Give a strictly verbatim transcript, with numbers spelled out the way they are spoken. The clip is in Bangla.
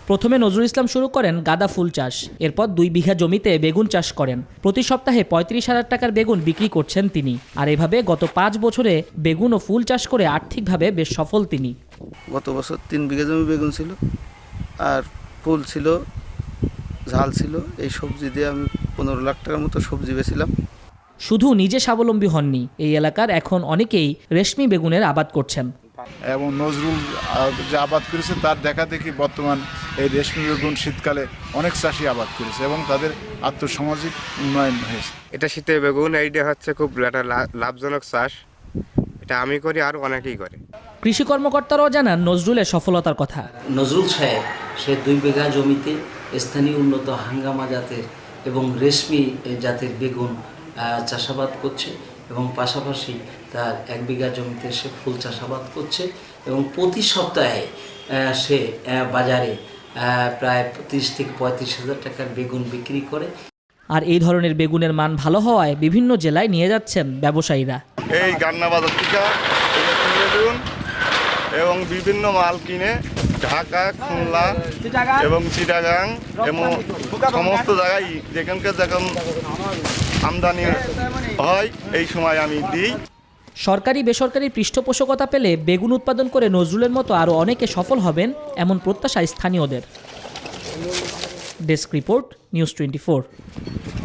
প্রথমে নজরুল ইসলাম শুরু করেন গাঁদা ফুল চাষ, এরপর দুই বিঘা জমিতে বেগুন চাষ করেন। প্রতি সপ্তাহে পঁয়ত্রিশ হাজার টাকার বেগুন বিক্রি করছেন তিনি। আর এভাবে গত পাঁচ বছরে বেগুন ও ফুল চাষ করে আর্থিকভাবে বেশ সফল তিনি। গত বছর তিন বিঘা জমি বেগুন ছিল, আর ফুল ছিল, ঝাল ছিল। এই সবজি দিয়ে আমি পনেরো লাখ টাকার মতো সবজি বেছিলাম। শুধু নিজে স্বাবলম্বী হননি, এই এলাকার এখন অনেকেই রেশমি বেগুনের আবাদ করছেন। এবং নজরুল যে আবাদ করেছে তার দেখা দেখি বর্তমান এই রেশমি বেগুন শীতকালে অনেক চাষি আবাদ করেছে এবং তাদের আর্থসামাজিক উন্নয়ন হয়েছে। এটা শীতের বেগুন, এইটা হচ্ছে খুব একটা লাভজনক চাষ। এটা আমি করি আর অনেকেই করে। কৃষি কর্মকর্তারাও জানান নজরুলের সফলতার কথা। নজরুল সাহেব সে দুই বিঘা জমিতে স্থানীয় উন্নত হাঙ্গামা জাতের এবং রেশমি জাতের বেগুন চাষাবাদ করছে এবং পাশাপাশি তার এক বিঘা জমিতে সে ফুল চাষাবাদ করছে এবং প্রতি সপ্তাহে সে বাজারে প্রায় তিরিশ থেকে পঁয়ত্রিশ হাজার টাকার বেগুন বিক্রি করে। আর এই ধরনের বেগুনের মান ভালো হওয়ায় বিভিন্ন জেলায় নিয়ে যাচ্ছেন ব্যবসায়ীরা। এই গান্না বাজার থেকে বেগুন এবং বিভিন্ন মাল কিনে ঢাকা, খুলনা এবং চিটাগাং এবং সমস্ত জায়গায় যেখানকার যখন আমদানি হয় এই সময় আমি দিই। সরকারি বেসরকারি পৃষ্ঠপোষকতা পেলে বেগুন উৎপাদন করে নজরুলের মতো আরও অনেকে সফল হবেন, এমন প্রত্যাশা স্থানীয়দের। Desk report, news twenty four.